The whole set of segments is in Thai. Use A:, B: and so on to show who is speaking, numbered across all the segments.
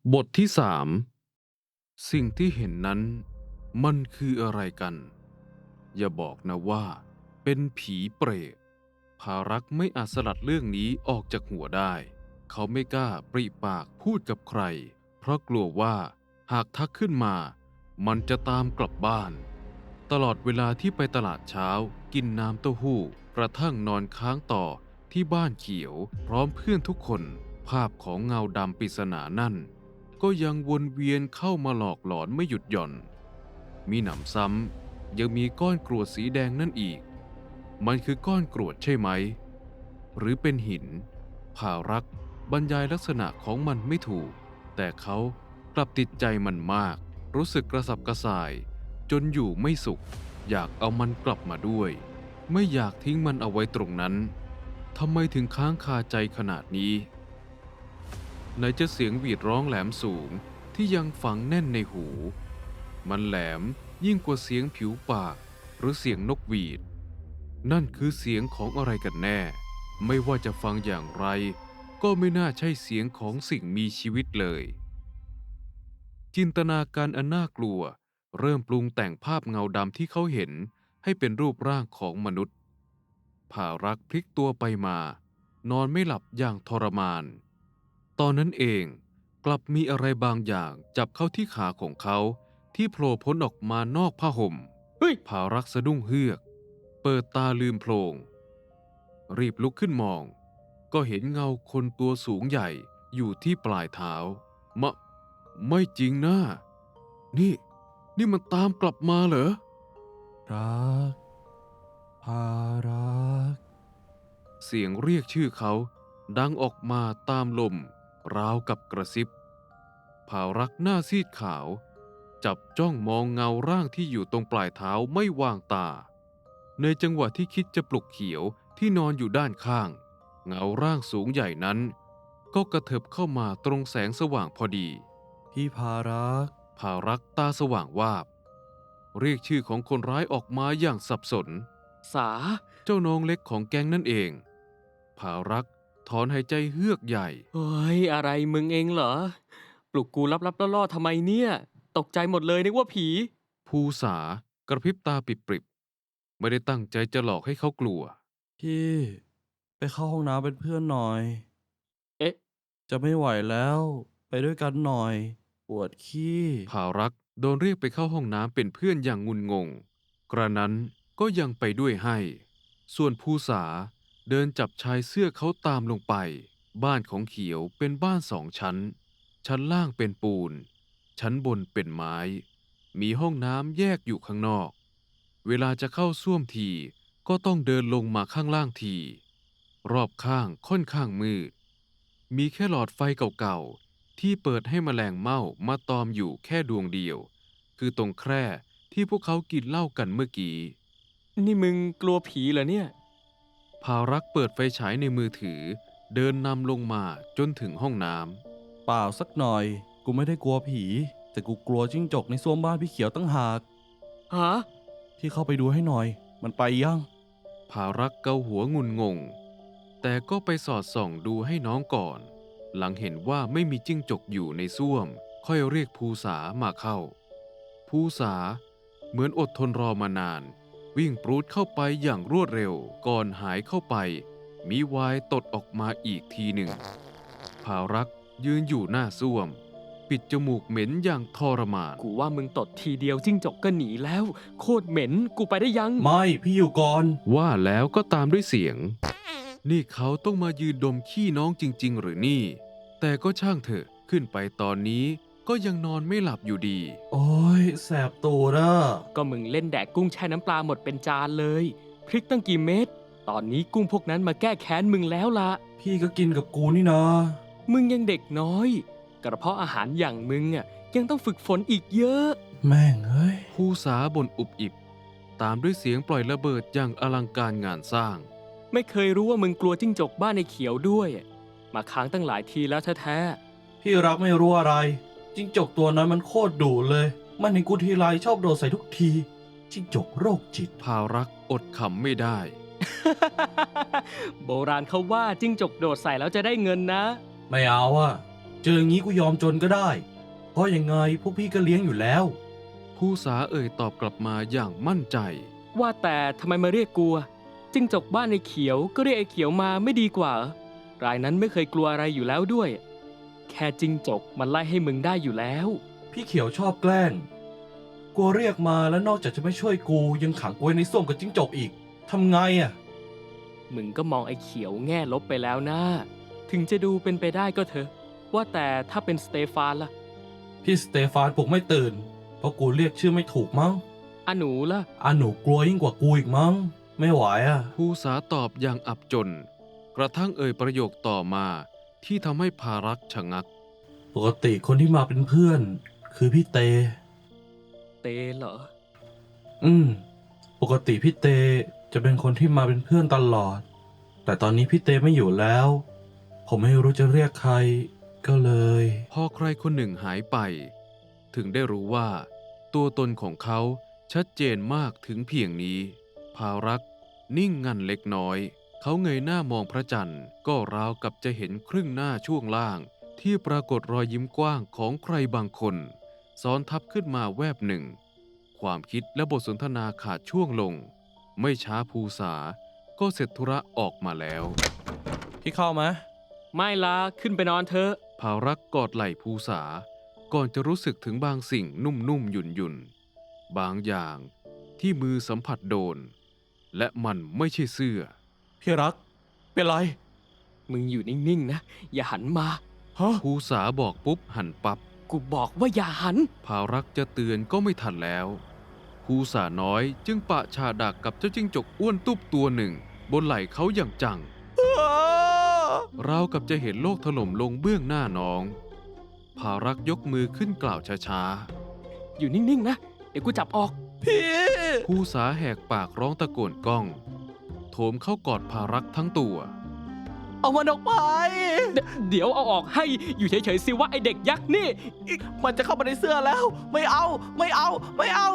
A: บทที่3สิ่งที่เห็นนั้นมันคืออะไรกันอย่าบอกนะว่าเป็นผีเปรตภารักษ์ไม่อาจสลัดเรื่องนี้ออกจากหัวได้เขาไม่กล้าปริปากพูดกับใครเพราะกลัวว่าหากทักขึ้นมามันจะตามกลับบ้านตลอดเวลาที่ไปตลาดเช้ากินน้ำเต้าหู้กระทั่งนอนค้างต่อที่บ้านเขียวพร้อมเพื่อนทุกคนภาพของเงาดำปริศนานั่นก็ยังวนเวียนเข้ามาหลอกหลอนไม่หยุดหย่อนมีหนำซ้ำยังมีก้อนกรวดสีแดงนั่นอีกมันคือก้อนกรวดใช่ไหมหรือเป็นหินภารักษ์บรรยายลักษณะของมันไม่ถูกแต่เขากลับติดใจมันมากรู้สึกกระสับกระส่ายจนอยู่ไม่สุขอยากเอามันกลับมาด้วยไม่อยากทิ้งมันเอาไว้ตรงนั้นทำไมถึงค้างคาใจขนาดนี้ไหนจะเสียงหวีดร้องแหลมสูงที่ยังฝังแน่นในหูมันแหลมยิ่งกว่าเสียงผิวปากหรือเสียงนกหวีดนั่นคือเสียงของอะไรกันแน่ไม่ว่าจะฟังอย่างไรก็ไม่น่าใช่เสียงของสิ่งมีชีวิตเลยจินตนาการอันน่ากลัวเริ่มปรุงแต่งภาพเงาดำที่เขาเห็นให้เป็นรูปร่างของมนุษย์ภารักษ์พลิกตัวไปมานอนไม่หลับอย่างทรมานตอนนั้นเองกลับมีอะไรบางอย่างจับเข้าที่ขาของเขาที่โผล่พ้นออกมานอกผ้าห่ม
B: เฮ้ย
A: ภารักษ์สะดุ้งเฮือกเปิดตาลืมโพลงรีบลุกขึ้นมองก็เห็นเงาคนตัวสูงใหญ่อยู่ที่ปลายเท้ามะไม่จริงนะนี่นี่มันตามกลับมาเหรอ
C: รักภารัก
A: เสียงเรียกชื่อเขาดังออกมาตามลมราวกับกระซิบภารักษ์หน้าซีดขาวจับจ้องมองเงาร่างที่อยู่ตรงปลายเท้าไม่วางตาในจังหวะที่คิดจะปลุกเขียวที่นอนอยู่ด้านข้างเงาร่างสูงใหญ่นั้นก็กระเถิบเข้ามาตรงแสงสว่างพอดี
C: พี่ภารัก
A: ภารักษ์ตาสว่างวาบเรียกชื่อของคนร้ายออกมาอย่างสับสน
B: สา
A: เจ้าน้องเล็กของแก๊งนั่นเองภารักษ์ถอนหายใจเฮือกใหญ่
B: เฮ้ยอะไรมึงเองเหรอปลุกกูลับๆล่อๆทำไมเนี่ยตกใจหมดเลยนึกว่าผี
A: ภูษากระพริบตาปริบๆไม่ได้ตั้งใจจะหลอกให้เขากลัว
C: พี่ไปเข้าห้องน้ำเป็นเพื่อนหน่อย
B: เอ๊ะ
C: จะไม่ไหวแล้วไปด้วยกันหน่อยปวดขี้
A: ภารักษ์โดนเรียกไปเข้าห้องน้ำเป็นเพื่อนอย่างงุนงงกระนั้นก็ยังไปด้วยให้ส่วนภูษาเดินจับชายเสื้อเขาตามลงไปบ้านของเขียวเป็นบ้าน2 ชั้นชั้นล่างเป็นปูนชั้นบนเป็นไม้มีห้องน้ำแยกอยู่ข้างนอกเวลาจะเข้าส้วมทีก็ต้องเดินลงมาข้างล่างทีรอบข้างค่อนข้างมืดมีแค่หลอดไฟเก่าๆที่เปิดให้แมลงเม่ามาตอมอยู่แค่ดวงเดียวคือตรงแคร่ที่พวกเขากินเหล้ากันเมื่อกี้
B: นี่มึงกลัวผีเหรอเนี่ย
A: ภารักษ์เปิดไฟฉายในมือถือเดินนำลงมาจนถึงห้องน้
C: เปล่าสักหน่อยกูไม่ได้กลัวผีแต่กูกลัวจิ้งจกในส้วมบ้านพี่เขียวตั้งหาก
B: ฮะ
C: พี่เข้าไปดูให้หน่อยมันไปยัง
A: ำภารักษ์เกาหัวงุนงงแต่ก็ไปสอดส่องดูให้น้องก่อนหลังเห็นว่าไม่มีจิ้งจกอยู่ในส้วมค่อยเรียกภูษามาเข้าภูษาเหมือนอดทนรอมานานวิ่งปรูดเข้าไปอย่างรวดเร็วก่อนหายเข้าไปมีวายตดออกมาอีกทีหนึ่งภารักษ์ยืนอยู่หน้าส้วมปิดจมูกเหม็นอย่างทรมาน
B: กูว่ามึงตดทีเดียวจิ้งจกก็หนีแล้วโคตรเหม็นกูไปได้ยัง
C: ไม่พี่อยู่ก่อน
A: ว่าแล้วก็ตามด้วยเสียงนี่เขาต้องมายืนดมขี้น้องจริงๆหรือนี่แต่ก็ช่างเถอะขึ้นไปตอนนี้ก็ยังนอนไม่หลับอยู่ดี
C: โอ้ยแสบตูดอ่ะ
B: ก็มึงเล่นแดกกุ้งแช่น้ำปลาหมดเป็นจานเลยพริกตั้งกี่เม็ดตอนนี้กุ้งพวกนั้นมาแก้แค้นมึงแล้วล่ะ
C: พี่ก็กินกับกูนี่นะ
B: มึงยังเด็กน้อยกระเพาะอาหารอย่างมึงอ่ะยังต้องฝึกฝนอีกเยอะ
C: แม่งเอ้ย
A: ภูษาบ่นอุบอิบตามด้วยเสียงปล่อยระเบิดอย่างอลังการงานสร้าง
B: ไม่เคยรู้ว่ามึงกลัวจิ้งจกบ้านในเขียวด้วยมาค้างตั้งหลายทีแล้วแท้
C: พี่รักไม่รู้อะไรจิ้งจกตัวนั้นมันโคตรดุเลยมันเห็นกูทีไรชอบโดดใส่ทุกทีจิ้งจกโรคจิต
A: ภารักษ์อดขำไม่ได้
B: ๆ โบราณเขาว่าจิ้งจกโดดใส่แล้วจะได้เงินนะ
C: ไม่เอาอะเจออย่างนี้กูยอมจนก็ได้ เพราะยังไงพวกพี่ก็เลี้ยงอยู่แล้ว
A: ภูษาเอ่ยตอบกลับมาอย่างมั่นใจ
B: ว่าแต่ทำไมมาเรียกกูอะจิ้งจกบ้านไอ้เขียวก็เรียกไอ้เขียวมาไม่ดีกว่าเหรอ รายนั้นไม่เคยกลัวอะไรอยู่แล้วด้วย แค่จิ้งจกมันไล่ให้มึงได้อยู่แล้ว
C: พี่เขียวชอบแกล้งกลัวเรียกมาแล้วนอกจากจะไม่ช่วยกูยังขังกูไว้ในส้วมกับจิ้งจกอีกทำไงอ่ะ
B: มึงก็มองไอ้เขียวแง่ลบไปแล้วนะ ถึงจะดูเป็นไปได้ก็เถอะ ว่าแต่ถ้าเป็นสเตฟานล่ะ
C: พี่สเตฟานปลุกไม่ตื่น เพราะกูเรียกชื่อไม่ถูกมั้ง
B: อาหนูล่ะ
C: หนูกลัวยิ่งกว่ากูอีกมั้ง ไม่ไหวอ่ะ
A: ภูษาตอบอย่างอับจน กระทั่งเอ่ยประโยคต่อมาที่ทำให้ภารักษ์ชะงัก
C: ปกติคนที่มาเป็นเพื่อน คือพี่เต
B: เตเหรอ
C: ปกติพี่เตจะเป็นคนที่มาเป็นเพื่อนตลอด แต่ตอนนี้พี่เตไม่อยู่แล้ว ผมไม่รู้จะเรียกใคร ก็เลย
A: พอใครคนหนึ่งหายไป ถึงได้รู้ว่า ตัวตนของเขาชัดเจนมากถึงเพียงนี้ ภารักษ์นิ่งงันเล็กน้อย เขาเงยหน้ามองพระจันทร์ก็ราวกับจะเห็นครึ่งหน้าช่วงล่าง ที่ปรากฏรอยยิ้มกว้างของใครบางคน ซ้อนทับขึ้นมาแวบหนึ่ง ความคิดและบทสนทนาขาดช่วงลง ไม่ช้าภูษาก็เสร็จธุระออกมาแล้ว
C: พี่เข้ามา
B: ไม่ละขึ้นไปนอนเถอะ
A: ภารักษ์กอดไหล่ภูษา ก่อนจะรู้สึกถึงบางสิ่งนุ่มๆหยุ่นๆบางอย่างที่มือสัมผัสโดน และมันไม่ใช่เสื้อ
C: พี่รัก เป็นไร
B: มึงอยู่นิ่งๆนะ อย่าหันมา
C: ฮะ
A: ภูษาบอกปุ๊บหันปับ๊บ
B: กูบอกว่าอย่าหัน
A: ภารักษ์จะเตือนก็ไม่ทันแล้ว ภูษาน้อยจึงปะชาดักกับเจ้าจิ้งจกอ้วนตุ๊บตัวหนึ่ง บนไหล่เขาอย่างจัง ราวกับจะเห็นโลกถล่มลงเบื้องหน้าน้อง ภารักษ์ยกมือขึ้นกล่าวช้า
B: อยู่นิ่งๆนะ เดี๋ยวกูจับออก
C: พี่
A: ๆ ภูษาแหกปากร้องตะโกนก้อง โถมเข้ากอดภารักษ์ทั้งตัว
C: เอามันออกไป
B: เดี๋ยวเอาออกให้ อยู่เฉยๆสิว่าไอเด็กยักษ์นี่
C: มันจะเข้ามาในเสื้อแล้ว ไม่เอา ไม่เอา ไม่เอา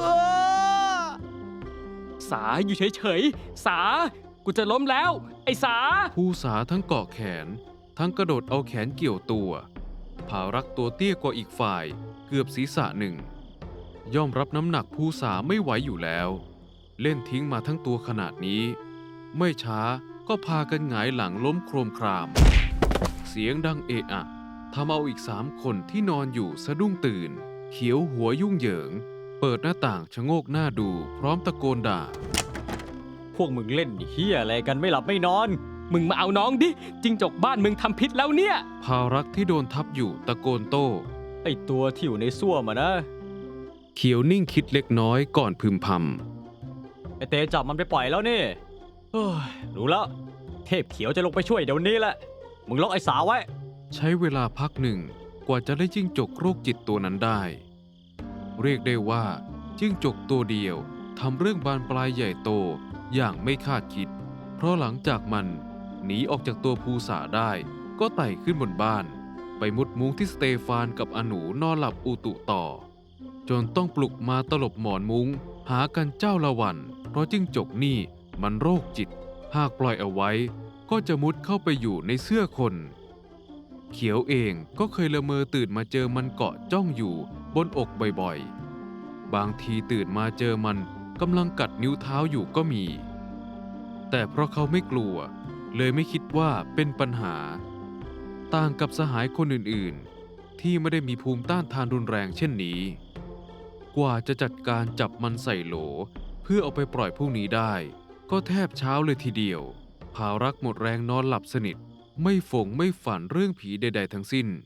B: สาอยู่เฉยๆ สา กูจะล้มแล้ว ไอสา
A: ภูษาทั้งเกาะแขน ทั้งกระโดดเอาแขนเกี่ยวตัว ภารักษ์ตัวเตี้ยกว่าอีกฝ่าย เกือบศีรษะหนึ่ง ย่อมรับน้ำหนักภูษาไม่ไหวอยู่แล้ว เล่นทิ้งมาทั้งตัวขนาดนี้ ไม่ช้าก็พากันหงายหลังล้มโครมคราม เสียงดังเอะอะทำเอาอีก3 คนที่นอนอยู่สะดุ้งตื่น เขียวหัวยุ่งเหยิง เปิดหน้าต่างชะโงกหน้าดูพร้อมตะโกนด่า
D: พวกมึงเล่นเฮียอะไรกันไม่หลับไม่นอน
B: มึงมาเอาน้องดิ จิงจกบ้านมึงทำพิษแล้วเนี่ย
A: ภารักษ์ที่โดนทับอยู่ตะโกนโต้
D: ไอตัวที่อยู่ในส้วมอะนะ
A: เขียวนิ่งคิดเล็กน้อยก่อนพึมพำ
D: ไอเตจับมันไปปล่อยแล้วนี่เฮ้ยรู้แล้ว เทพเขียวจะลงไปช่วยเดี๋ยวนี้แหละ มึงล็อกไอสาไว้
A: ใช้เวลาพักหนึ่งกว่าจะได้จิ้งจกโรคจิตตัวนั้นได้ เรียกได้ว่าจิ้งจกตัวเดียวทำเรื่องบานปลายใหญ่โตอย่างไม่คาดคิด เพราะหลังจากมันหนีออกจากตัวภูษาได้ ก็ไต่ขึ้นบนบ้าน ไปมุดมุ้งที่สเตฟานกับอนูนอนหลับอุตุต่อ จนต้องปลุกมาตลบหมอนมุ้งหากันเจ้าละวัน เพราะจิ้งจกนี่มันโรคจิต หากปล่อยเอาไว้ก็จะมุดเข้าไปอยู่ในเสื้อคน เขียวเองก็เคยละเมอตื่นมาเจอมันเกาะจ้องอยู่บนอกบ่อยๆ บางทีตื่นมาเจอมันกำลังกัดนิ้วเท้าอยู่ก็มี แต่เพราะเขาไม่กลัวเลยไม่คิดว่าเป็นปัญหา ต่างกับสหายคนอื่นๆ ที่ไม่ได้มีภูมิต้านทานรุนแรงเช่นนี้ กว่าจะจัดการจับมันใส่โหลเพื่อเอาไปปล่อยพรุ่งนี้ได้ ก็แทบเช้าเลยทีเดียว ภารักษ์หมดแรงนอนหลับสนิท ไม่ฝงไม่ฝันเรื่องผีใดๆทั้งสิ้น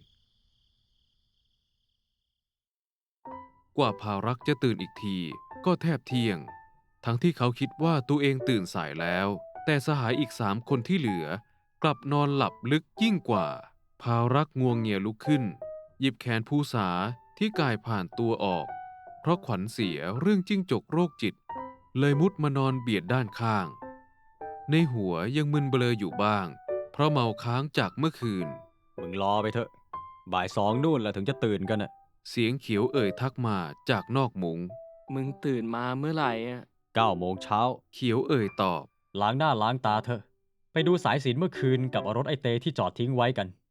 A: กว่าภารักษ์จะตื่นอีกทีก็แทบเที่ยง ทั้งที่เขาคิดว่าตัวเองตื่นสายแล้ว แต่สหายอีก3 คนที่เหลือกลับนอนหลับลึกยิ่งกว่า ภารักษ์งวงเงียลุกขึ้น หยิบแขนภูษาที่กายผ่านตัวออก เพราะขวัญเสียเรื่องจิ้งจกโรคจิต เลยมุดมานอนเบียดด้านข้าง ในหัวยังมึนเบลออยู่บ้าง เพราะเมาค้างจากเมื่อคืน
D: มึงรอไปเถอะ บ่าย2นู่นแหละถึงจะตื่นกันอะ
A: เสียงเขียวเอ่ยทักมาจากนอกมุง
B: มึงตื่นมาเมื่อไหร่อะ
D: 9 โมงเช้า
A: เขียวเอ่ยตอบ
D: ล้างหน้าล้างตาเถอะ ไปดูสายสิญจนเมื่อคืนกับเอารถไอเตที่จอดทิ้งไว้กัน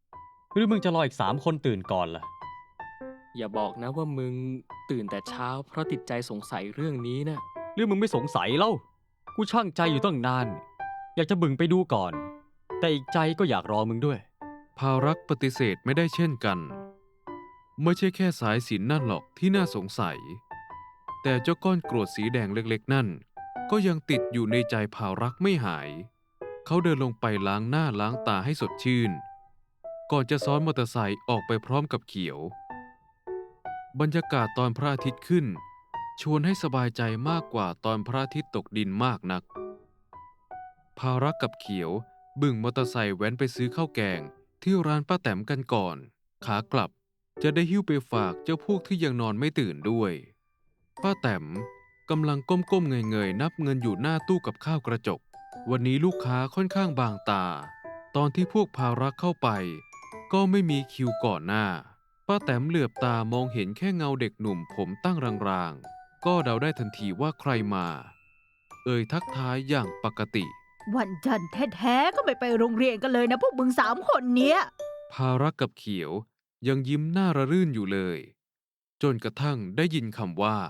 D: หรือมึงจะรออีก3 คนตื่นก่อนล่ะ
B: อย่าบอกนะว่ามึงตื่นแต่เช้าเพราะติดใจสงสัยเรื่องนี้นะ
D: หรือมึงไม่สงสัยเล่า กูช่างใจอยู่ตั้งนาน อยากจะบึ่งไปดูก่อน แต่อีกใจก็อยากรอมึงด้วย
A: ภารักษ์ปฏิเสธไม่ได้เช่นกัน ไม่ใช่แค่สายสิญจน์นั่นหรอกที่น่าสงสัย แต่เจ้าก้อนกรวดสีแดงเล็กๆนั่น ก็ยังติดอยู่ในใจภารักษ์ไม่หาย เขาเดินลงไปล้างหน้าล้างตาให้สดชื่น ก่อนจะซ้อนมอเตอร์ไซค์ออกไปพร้อมกับเขียว บรรยากาศตอนพระอาทิตย์ขึ้น ชวนให้สบายใจมากกว่าตอนพระอาทิตย์ตกดินมากนัก ภารักษ์กับเขียวบึ่งมอเตอร์ไซค์แว้นไปซื้อข้าวแกงที่ร้านป้าแต๋มกันก่อน ขากลับจะได้หิ้วไปฝากเจ้าพวกที่ยังนอนไม่ตื่นด้วย ป้าแต๋มกำลังก้มๆเงยๆนับเงินอยู่หน้าตู้กับข้าวกระจก วันนี้ลูกค้าค่อนข้างบางตา ตอนที่พวกภารักษ์เข้าไป ก็ไม่มีคิวก่อนหน้า ป้าแต๋มเหลือบตามองเห็นแค่เงาเด็กหนุ่มผมตั้งรางๆ ก็เดาได้ทันทีว่าใครมา เอ่ยทักทายอย่างปกติ
E: วันจันทร์แท้ๆก็ไม่ไปโรงเรียนกันเลยนะพวกมึง3 คนเนี้ย
A: ภารักษ์กับเขียวยังยิ้มหน้าระรื่นอยู่เลย จนกระทั่งได้ยินคำว่า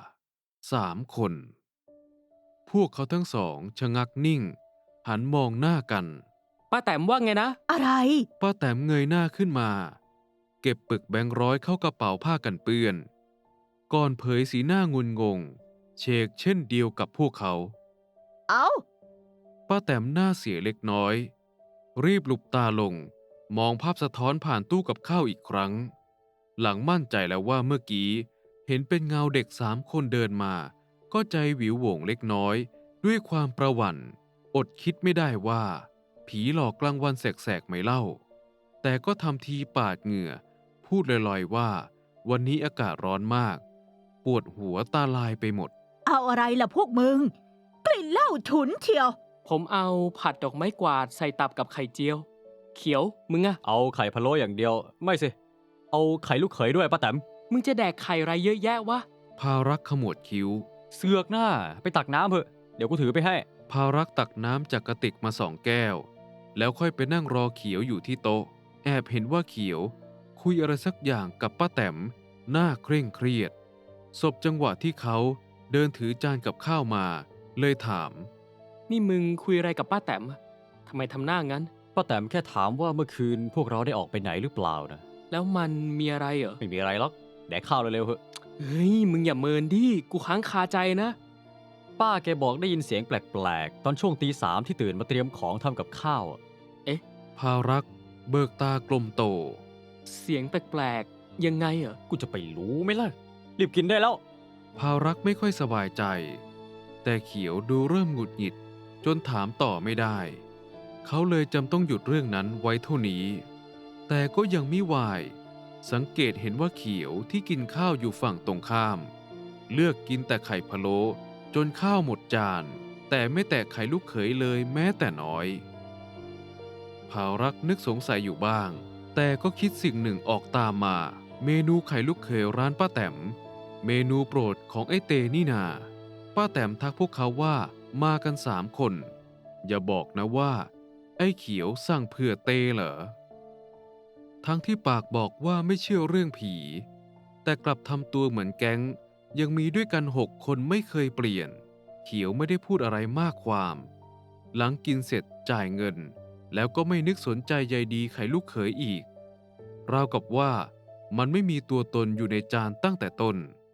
A: 3 คน พวกเขาทั้งสองชะงักนิ่ง หันมองหน้ากัน
B: ป้าแตมว่าไงนะ
E: อะไร
A: ป้าแต๋มเงยหน้าขึ้นมา เก็บปึกแบงค์ร้อยเข้ากระเป๋าผ้ากันเปื้อน ก่อนเผยสีหน้างุนงง เชกเช่นเดียวกับพวกเขา
E: เอ้า
A: ป้าแต๋มหน้าเสียเล็กน้อย รีบหลุบตาลง มองภาพสะท้อนผ่านตู้กับข้าวอีกครั้ง หลังมั่นใจแล้วว่าเมื่อกี้เห็นเป็นเงาเด็ก3 คนเดินมา ก็ใจหวิวโหว่งเล็กน้อย ด้วยความประหวั่นอดคิดไม่ได้ว่า ผีหลอกกลางวันแสกๆไม่เล่า แต่ก็ทำทีปาดเหงื่อ พูดลอยๆว่า วันนี้อากาศร้อนมาก ปวดหัวตาลายไปหมด
E: เอาอะไรล่ะพวกมึง กลิ่นเหล้าฉุนเชียว
B: ผมเอาผัดดอกไม้กวาดใส่ตับกับไข่เจียว เขียวมึงอะ
D: เอาไข่พะโล้อย่างเดียว ไม่สิ เอาไข่ลูกเขยด้วยป้าแต๋ม
B: มึงจะแดกไข่ไรเยอะแยะวะ
A: ภารักษ์ขมวดคิ้ว
D: เสือกหน้า ไปตักน้ำเถอะ เดี๋ยวกูถือไปให้
A: ภารักษ์ตักน้ำจากกระติกมา2 แก้ว แล้วค่อยไปนั่งรอเขียวอยู่ที่โต๊ะ แอบเห็นว่าเขียว คุยอะไรสักอย่างกับป้าแต๋มหน้าเคร่งเครียดสบจังหวะที่เขาเดินถือจานกับข้าวมา เลยถาม
B: นี่มึงคุยอะไรกับป้าแตมอะทำไมทำหน้างั้น
D: ป้าแต๋มแค่ถามว่าเมื่อคืนพวกเราได้ออกไปไหนหรือเปล่านะ
B: แล้วมันมีอะไรเหรอ
D: ไม่มีอะไรหรอก แดกข้าวเร็วๆเถอะ
B: เฮ้ย มึงอย่าเมินดิ กูค้างคาใจนะ
D: ป้าแกบอกได้ยินเสียงแปลกๆ ตอนช่วงตี 3ที่ตื่นมาเตรียมของทำกับข้าวอะ
A: ภารักษ์เบิกตากลมโต
B: เสียงแปลกๆ ยังไงเหรอ
D: กูจะไปรู้ไหมล่ะ รีบกินได้แล้ว
A: ภารักษ์ไม่ค่อยสบายใจ แต่เขียวดูเริ่มหงุดหงิดจนถามต่อไม่ได้ เขาเลยจำต้องหยุดเรื่องนั้นไว้เท่านี้ แต่ก็ยังไม่วาย สังเกตเห็นว่าเขียวที่กินข้าวอยู่ฝั่งตรงข้าม เลือกกินแต่ไข่พะโล้จนข้าวหมดจาน แต่ไม่แตะไข่ลูกเขยเลยแม้แต่น้อย ภารักษ์นึกสงสัยอยู่บ้าง แต่ก็คิดสิ่งหนึ่งออกตามมา เมนูไข่ลูกเขยร้านป้าแต๋มเมนูโปรดของไอ้เตนี่นา ป้าแต๋มทักพวกเขาว่ามากัน3 คน อย่าบอกนะว่า ไอ้เขียวสั่งเผื่อเตเหรอ ทั้งที่ปากบอกว่าไม่เชื่อเรื่องผี แต่กลับทำตัวเหมือนแก๊ง ยังมีด้วยกัน6 คนไม่เคยเปลี่ยน เขียวไม่ได้พูดอะไรมากความ หลังกินเสร็จจ่ายเงิน แล้วก็ไม่นึกสนใจใยดีไข่ลูกเขยอีก ราวกับว่ามันไม่มีตัวตนอยู่ในจานตั้งแต่ต้น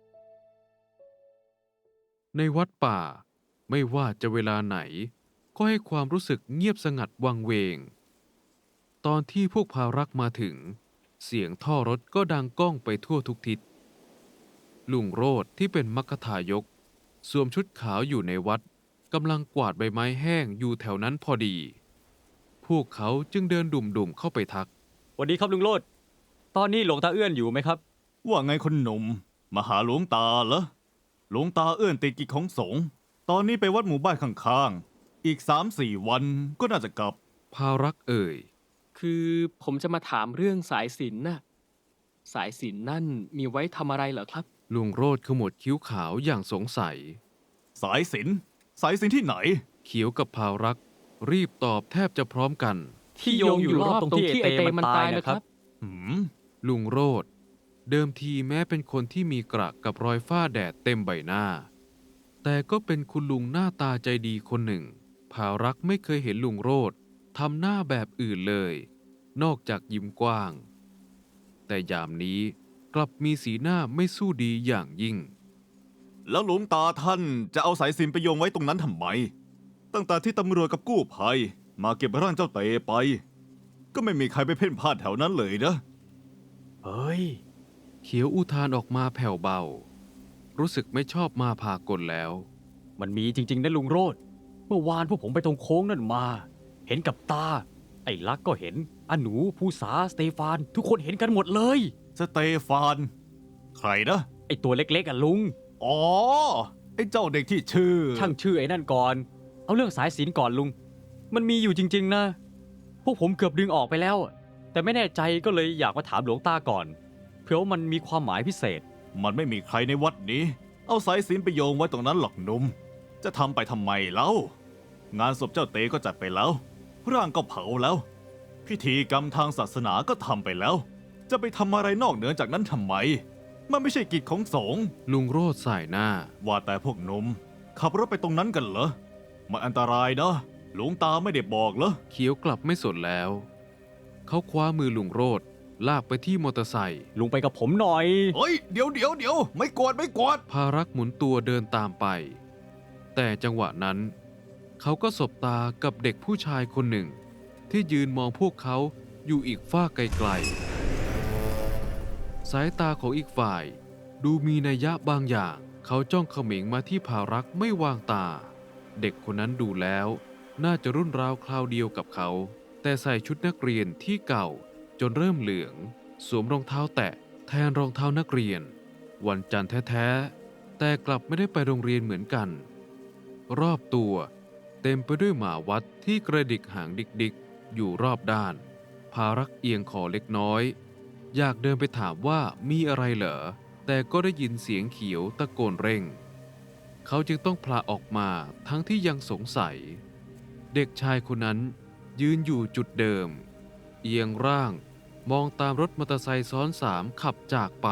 A: ในวัดป่าไม่ว่าจะเวลาไหน ก็ให้ความรู้สึกเงียบสงัดวังเวง ตอนที่พวกภารักษ์มาถึง เสียงท่อรถก็ดังก้องไปทั่วทุกทิศ ลุงโรธที่เป็นมัคคทายก สวมชุดขาวอยู่ในวัดกำลังกวาดใบไม้แห้งอยู่แถวนั้นพอดี พวกเขาจึงเดินดุ่มๆเข้าไปทัก
D: สวัสดีครับลุงโลด ตอนนี้หลวงตาเอื้อนอยู่ไหมครับ
F: ว่าไงคนหนุ่มมาหาหลวงตาเหรอหลวงตาเอื้อนติดกิจของสงฆ์ตอนนี้ไปวัดหมู่บ้านข้างๆอีก3-4 วันก็น่าจะกลับ
A: ภารักษ์เอ่ย
B: คือผมจะมาถามเรื่องสายสิญจน์น่ะ สายสิญจน์นั่นมีไว้ทำอะไรเหรอครับ
A: ลุงโรธขมวดคิ้วขาวอย่างสงสัย
F: สายสิญจน์ที่ไหน
A: เขียวกับภารักษ์รีบตอบแทบจะพร้อมกัน
B: ที่โยงอยู่รอบตรงที่ไอเตมันตายนะครับ
F: ห
A: ลุงโรธเดิมทีแม้เป็นคนที่มีกระกับรอยฝ้าแดดเต็มใบหน้า แต่ก็เป็นคุณลุงหน้าตาใจดีคนหนึ่ง ภารักษ์ไม่เคยเห็นลุงโรธทำหน้าแบบอื่นเลย นอกจากยิ้มกว้าง แต่ยามนี้กลับมีสีหน้าไม่สู้ดีอย่างยิ่ง
F: แล้วหลวงตาท่านจะเอาสายสิญจน์ไปโยงไว้ตรงนั้นทำไม ตั้งแต่ที่ตำรวจกับกู้ภัยมาเก็บร่างเจ้าเตไป ก็ไม่มีใครไปเพ่นพ่านแถวนั้นเลยนะ
D: เฮ้ย
A: เขียวอุทานออกมาแผ่วเบา รู้สึกไม่ชอบมาพากลแล้ว
D: มันมีจริงๆนะลุงโรดเมื่อวานพวกผมไปตรงโค้งนั่นมา เห็นกับตา ไอ้ลักก็เห็นอาหนูภูษาสเตฟาน ทุกคนเห็นกันหมดเลย
F: สเตฟาน ใครนะ
D: ไอ้ตัวเล็กๆอ่ะลุง
F: อ๋อ ไอ้เจ้าเด็กที่ชื่อ
D: ช่างชื่อไอ้นั่นก่อน เอาเรื่องสายศีลก่อนลุง มันมีอยู่จริงๆนะ พวกผมเกือบดึงออกไปแล้ว แต่ไม่แน่ใจก็เลยอยากมาถามหลวงตาก่อน เผื่อว่ามันมีความหมายพิเศษ
F: มันไม่มีใครในวัดนี้ เอาสายสิญจน์ไปโยงไว้ตรงนั้นหรอกหนุ่ม จะทำไปทำไมเล่า งานศพเจ้าเตก็จัดไปแล้ว ร่างก็เผาแล้ว พิธีกรรมทางศาสนาก็ทำไปแล้ว จะไปทำอะไรนอกเหนือจากนั้นทำไม มันไม่ใช่กิจของสงฆ์
A: ลุงโรธสายหน้า
F: ว่าแต่พวกหนุ่มขับรถไปตรงนั้นกันเหรอ มันอันตรายนะ หลวงตาไม่ได้บอกเหรอ
A: เขียวกลับไม่สนแล้ว เขาคว้ามือลุงโรธลากไปที่มอเตอร์ไซค์
D: ลุงไปกับผมหน่อย
F: เฮ้ย เดี๋ยว ไม่กวดไม่กวด
A: ภารักษ์หมุนตัวเดินตามไป แต่จังหวะนั้น เขาก็สบตากับเด็กผู้ชายคนหนึ่ง ที่ยืนมองพวกเขาอยู่อีกฝ้ากไกลๆสายตาของอีกฝ่าย ดูมีนัยยะบางอย่าง เขาจ้องเขม็งมาที่ภารักษ์ไม่วางตา เด็กคนนั้นดูแล้ว น่าจะรุ่นราวคราวเดียวกับเขา แต่ใส่ชุดนักเรียนที่เก่าจนเริ่มเหลือง สวมรองเท้าแตะแทนรองเท้านักเรียน วันจันทร์แท้ๆแต่กลับไม่ได้ไปโรงเรียนเหมือนกัน รอบตัวเต็มไปด้วยหมาวัดที่กระดิกหางดิกๆอยู่รอบด้าน ภารักษ์เอียงคอเล็กน้อย อยากเดินไปถามว่ามีอะไรเหรอ แต่ก็ได้ยินเสียงเขียวตะโกนเร่ง เขาจึงต้องพลาออกมาทั้งที่ยังสงสัย เด็กชายคนนั้นยืนอยู่จุดเดิม เอียงร่างมองตามรถมอเตอร์ไซค์ซ้อนสามขับจากไป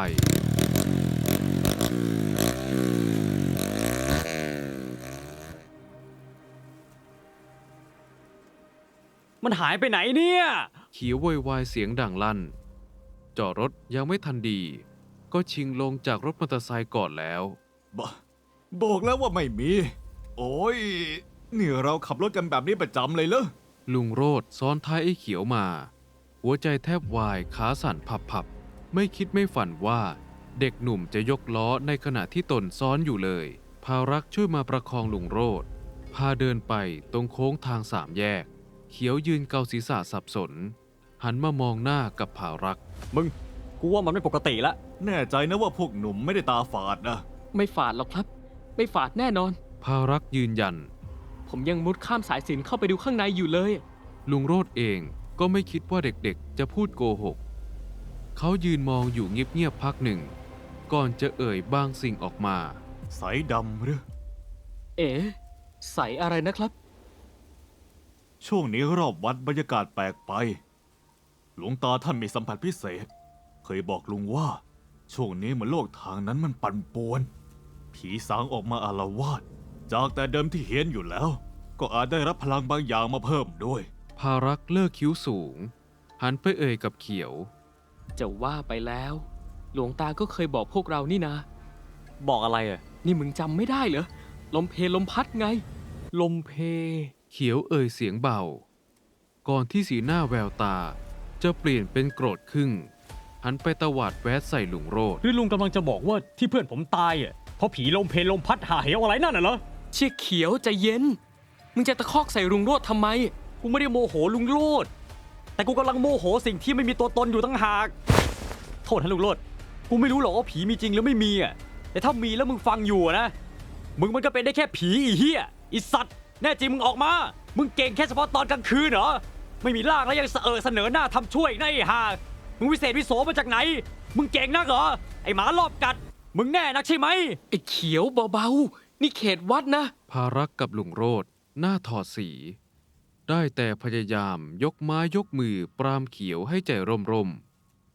D: มันหายไปไหนเนี่ย
A: เขียวโวยวายเสียงดังลั่น จอดรถยังไม่ทันดี ก็ชิงลงจากรถมอเตอร์ไซค์ก่อนแล้ว
F: บอกแล้วว่าไม่มี โอ้ยนี่เราขับรถกันแบบนี้ประจำเลยเหรอ
A: ลุงโรธซ้อนท้ายไอ้เขียวมา หัวใจแทบวายขาสั่นพับๆไม่คิดไม่ฝันว่าเด็กหนุ่มจะยกล้อในขณะที่ตนซ้อนอยู่เลย ภารักษ์ช่วยมาประคองลุงโรธพาเดินไปตรงโค้งทางสามแยก เขียวยืนเกาศีรษะสับสน หันมามองหน้ากับภารักษ์
D: มึง กูว่ามันไม่ปกติละ
F: แน่ใจนะว่าพวกหนุ่มไม่ได้ตาฝาดนะ
B: ไม่ฝาดหรอกครับ ไม่ฝาดแน่นอน
A: ภารักษ์ยืนยัน
B: ผมยังมุดข้ามสายสิญจนเข้าไปดูข้างในอยู่เลย
A: ลุงโรธเองก็ไม่คิดว่าเด็กๆจะพูดโกหก เขายืนมองอยู่เงียบๆพักหนึ่ง ก่อนจะเอ่ยบางสิ่งออกมา
F: ใสดำหรือ
B: เอ๋ใสอะไรนะครับ
F: ช่วงนี้รอบวัดบรรยากาศแปลกไป หลวงตาท่านมีสัมผัสพิเศษ เคยบอกลุงว่า ช่วงนี้เหมือนโลกทางนั้นมันปั่นป่วน ผีสางออกมาอาละวาด จากแต่เดิมที่เฮี้ยนอยู่แล้ว ก็อาจได้รับพลังบางอย่างมาเพิ่มด้วย
A: ภารักษ์เลิกคิ้วสูง หันไปเอ่ยกับเขียว
B: จะว่าไปแล้ว หลวงตาก็เคยบอกพวกเรานี่นะ
D: บอกอะไรอ่ะ
B: นี่มึงจำไม่ได้เหรอ ลมเพลมพัดไง ลมเพ
A: เขียวเอ่ยเสียงเบา ก่อนที่สีหน้าแววตา จะเปลี่ยนเป็นโกรธขึ้น หันไปตวาดแวดใส่ลุงโรธ
D: หรือลุงกำลังจะบอกว่าที่เพื่อนผมตายอ่ะ เพราะผีลมเพลลมพัดหาเหวอะไรนั่นน่ะเหรอ
B: เชี่ยเขียวใจเย็น มึงจะตะคอกใส่ลุงโรดทำไม
D: กูไม่ได้โมโหลุงโลด แต่กูกำลังโมโหสิ่งที่ไม่มีตัวตนอยู่ตั้งหาก โทษนะลุงโลด กูไม่รู้หรอกว่าผีมีจริงหรือไม่มีอ่ะ แต่ถ้ามีแล้วมึงฟังอยู่อะนะ มึงมันก็เป็นได้แค่ผีอีเหี้ยอีสัตว์ แน่จริงมึงออกมา มึงเก่งแค่เฉพาะตอนกลางคืนเหรอ ไม่มีร่างแล้วยังเสนอหน้าทำช่วยนะไอ้ห่า มึงวิเศษวิโสมาจากไหน มึงเก่งนักเหรอ ไอ้หมารอบกัด มึงแน่นักใช่ไหม
B: ไอ้เขียวเบาๆ นี่เขตวัดนะ
A: ภารักษ์กับลุงโรธหน้าถอดสี ได้แต่พยายามยกไม้ยกมือปรามเขียวให้ใจร่ม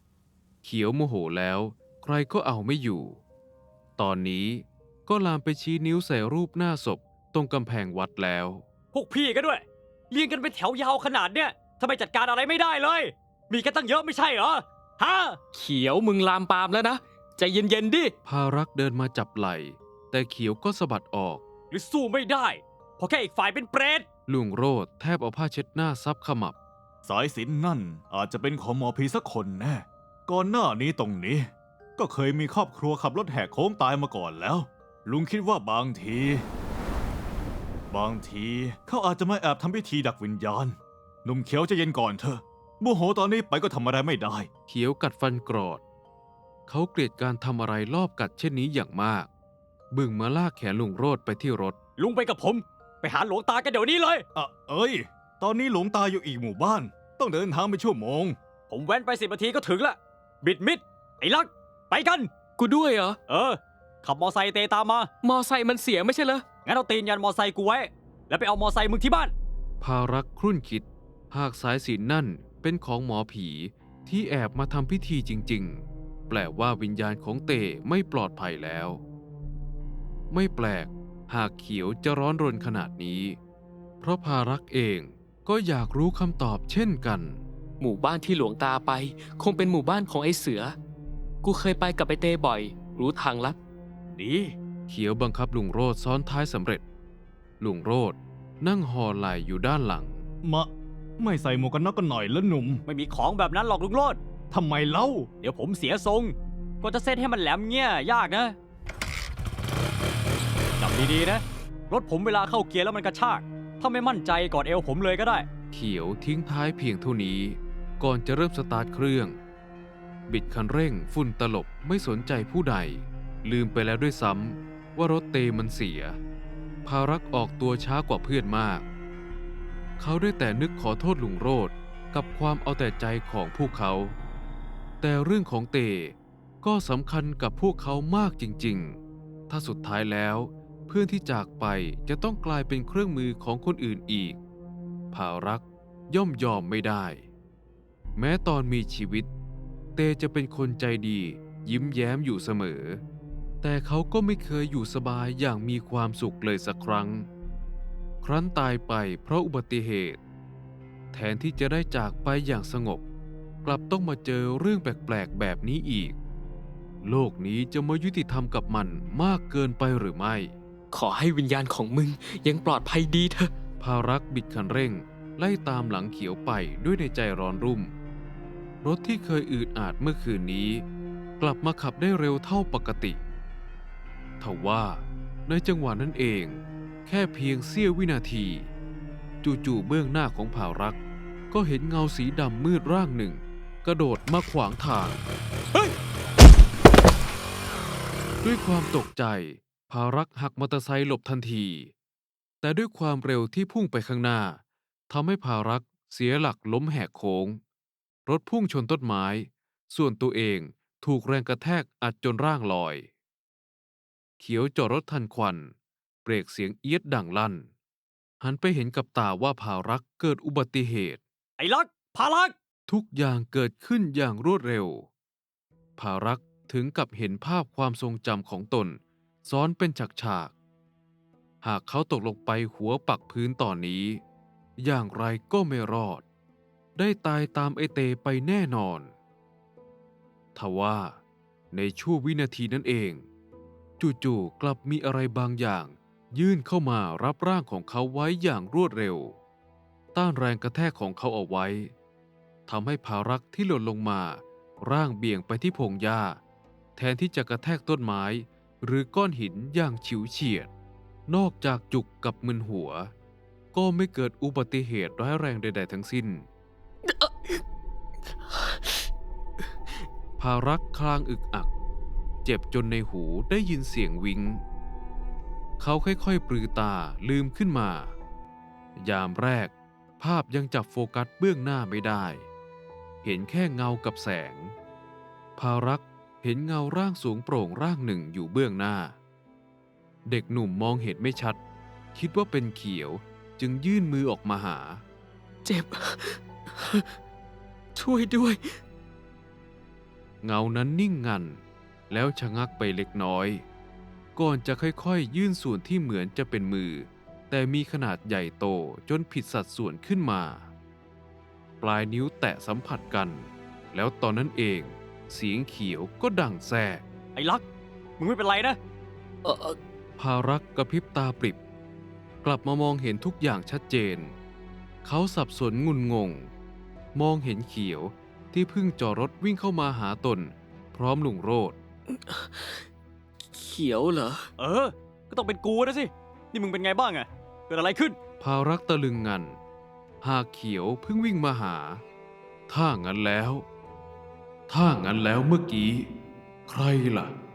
A: เขียวโมโหแล้วใครก็เอาไม่อยู่ ตอนนี้ก็ลามไปชี้นิ้วใส่รูปหน้าศพตรงกำแพงวัดแล้ว
D: พวกพี่ก็ด้วย เรียงกันเป็นแถวยาวขนาดเนี้ยทำไมจัดการอะไรไม่ได้เลย มีกันตั้งเยอะไม่ใช่เหรอ ฮะ
B: เขียวมึงลามปามแล้วนะ ใจเย็นๆดิ
A: ภารักษ์เดินมาจับไหล่แต่เขียวก็สะบัดออก
D: หรือสู้ไม่ได้ เพราะแค่อีกฝ่ายเป็นเปรต
A: ลุงโรดแทบเอาผ้าเช็ดหน้าซับขมับ
F: สายสิญจนนั่นอาจจะเป็นของหมอผีสักคนแน่ ก่อนหน้านี้ตรงนี้ ก็เคยมีครอบครัวขับรถแหกโค้งตายมาก่อนแล้ว ลุงคิดว่าบางที เขาอาจจะมาแอบทำพิธีดักวิญญาณ หนุ่มเขียวใจะเย็นก่อนเถอะโมโหตอนนี้ไปก็ทำอะไรไม่ได้
A: เขียวกัดฟันกรอด เขาเกลียดการทำอะไรรอบกัดเช่นนี้อย่างมาก บึ่งมาลากแขนลุงโรดไปที่รถ
D: ลุงไปกับผม ไปหาหลวงตากันเดี๋ยวนี้เลย
F: เอ้ย ตอนนี้หลวงตาอยู่อีกหมู่บ้าน ต้องเดินทางไปชั่วโมง
D: ผมแว้นไป10 นาทีก็ถึงละ บิดมิด ไอ้ลัก ไปกัน
B: กูด้วยเหรอ
D: ขับมอไซค์เตตามมา
B: มอไซค์มันเสียไม่ใช่เหรอ
D: งั้นเอาตีนยันมอไซค์กูไว้ แล้วไปเอามอไซค์มึงที่บ้าน
A: ภารักษ์ครุ่นคิด หากสายสิญจนนั่นเป็นของหมอผีที่แอบมาทำพิธีจริงๆ แปลว่าวิญญาณของเตไม่ปลอดภัยแล้ว ไม่แปลกหากเขียวจะร้อนรนขนาดนี้ เพราะภารักษ์เองก็อยากรู้คำตอบเช่นกัน
B: หมู่บ้านที่หลวงตาไป คงเป็นหมู่บ้านของไอ้เสือ กูเคยไปกับไอ้เตบ่อย รู้ทางลัด
D: ดี
A: เขียวบังคับลุงโรดซ้อนท้ายสำเร็จ ลุงโรดนั่งห่อไหล่อยู่ด้านหลัง
F: ไม่ใส่หมวกกันน็อกกันหน่อยแล้วหนุ่ม
D: ไม่มีของแบบนั้นหรอกลุงโลด
F: ทำไมเล่า
D: เดี๋ยวผมเสียทรงก็จะเซตให้มันแหลมเงี้ยยากนะจับดีๆนะ รถผมเวลาเข้าเกียร์แล้วมันกระชาก ถ้าไม่มั่นใจกอดเอวผมเลยก็ได้
A: เขียวทิ้งท้ายเพียงเท่านี้ ก่อนจะเริ่มสตาร์ทเครื่อง บิดคันเร่งฝุ่นตลบไม่สนใจผู้ใด ลืมไปแล้วด้วยซ้ำว่ารถเตมันเสีย ภารักษ์ออกตัวช้ากว่าเพื่อนมาก เขาได้แต่นึกขอโทษลุงโรดกับความเอาแต่ใจของพวกเขา แต่เรื่องของเตก็สำคัญกับพวกเขามากจริงๆ ถ้าสุดท้ายแล้ว เพื่อนที่จากไปจะต้องกลายเป็นเครื่องมือของคนอื่นอีก ภารักษ์ย่อมยอมไม่ได้ แม้ตอนมีชีวิต เตจะเป็นคนใจดียิ้มแย้มอยู่เสมอ แต่เขาก็ไม่เคยอยู่สบายอย่างมีความสุขเลยสักครั้ง ครั้นตายไปเพราะอุบัติเหตุ แทนที่จะได้จากไปอย่างสงบ กลับต้องมาเจอเรื่องแปลกๆแบบนี้อีก โลกนี้จะไม่ยุติธรรมกับมันมากเกินไปหรือไม่
B: ขอให้วิญญาณของมึงยังปลอดภัยดีเถอะ
A: ภารักษ์บิดคันเร่งไล่ตามหลังเขียวไปด้วยในใจร้อนรุ่ม รถที่เคยอืดอาดเมื่อคืนนี้ กลับมาขับได้เร็วเท่าปกติทว่าในจังหวะนั้นเอง แค่เพียงเสี้ยววินาที จู่ๆเบื้องหน้าของภารักษ์ก็เห็นเงาสีดำมืดร่างหนึ่ง กระโดดมาขวางทาง ด้วยความตกใจ ภารักษ์หักมอเตอร์ไซค์หลบทันที แต่ด้วยความเร็วที่พุ่งไปข้างหน้าทำให้ภารักษ์เสียหลักล้มแหกโค้ง รถพุ่งชนต้นไม้ ส่วนตัวเองถูกแรงกระแทกอัดจนร่างลอย เขียวจอดรถทันควัน เบรกเสียงเอี๊ยดดังลั่น หันไปเห็นกับตาว่าภารักษ์เกิดอุบัติเหตุ
D: ไอ้ลัก พาลัก
A: ทุกอย่างเกิดขึ้นอย่างรวดเร็ว ภารักษ์ถึงกับเห็นภาพความทรงจำของตนซ้อนเป็นฉากๆ หากเขาตกลงไปหัวปักพื้นตอนนี้ อย่างไรก็ไม่รอด ได้ตายตามไอเตไปแน่นอน ทว่าในชั่ววินาทีนั้นเอง จู่ๆกลับมีอะไรบางอย่าง ยื่นเข้ามารับร่างของเขาไว้อย่างรวดเร็ว ต้านแรงกระแทกของเขาเอาไว้ทำให้ภารักษ์ที่หล่นลงมาร่างเบี่ยงไปที่พงหญ้า แทนที่จะกระแทกต้นไม้หรือก้อนหินอย่างฉิวเฉียด นอกจากจุกกับมึนหัว ก็ไม่เกิดอุบัติเหตุร้ายแรงใดๆทั้งสิ้น ภารักษ์คลางอึกอัก เจ็บจนในหูได้ยินเสียงวิงเขาค่อยๆปลือตาลืมขึ้นมา ยามแรกภาพยังจับโฟกัสเบื้องหน้าไม่ได้ เห็นแค่เงากับแสง ภารักษ์เห็นเงาร่างสูงโปร่งร่างหนึ่งอยู่เบื้องหน้า เด็กหนุ่มมองเห็นไม่ชัด คิดว่าเป็นเขียวจึงยื่นมือออกมาหา
B: เจ็บ ช่วยด้วย
A: เงานั้นนิ่งงัน แล้วชะงักไปเล็กน้อย ก่อนจะค่อยๆยื่นส่วนที่เหมือนจะเป็นมือ แต่มีขนาดใหญ่โตจนผิดสัดส่วนขึ้นมา ปลายนิ้วแตะสัมผัสกัน แล้วตอนนั้นเองเสียงเขียวก็ดังแทรก
D: ไอ้ลักษณ์มึงไม่เป็นไรนะ
A: ภารักษ์กระพริบตาปริบ กลับมามองเห็นทุกอย่างชัดเจน เขาสับสนงุนงง มองเห็นเขียวที่เพิ่งจอดรถวิ่งเข้ามาหาตน พร้อมลุงโรด
B: เขียวเหรอ
D: เออ ก็ต้องเป็นกูนะสิ นี่มึงเป็นไงบ้างอะเกิดอะไรขึ้น
A: ภารักษ์ตะลึงงัน หากเขียวเพิ่งวิ่งมาหา ถ้างั้นแล้วเมื่อกี้ ใครล่ะ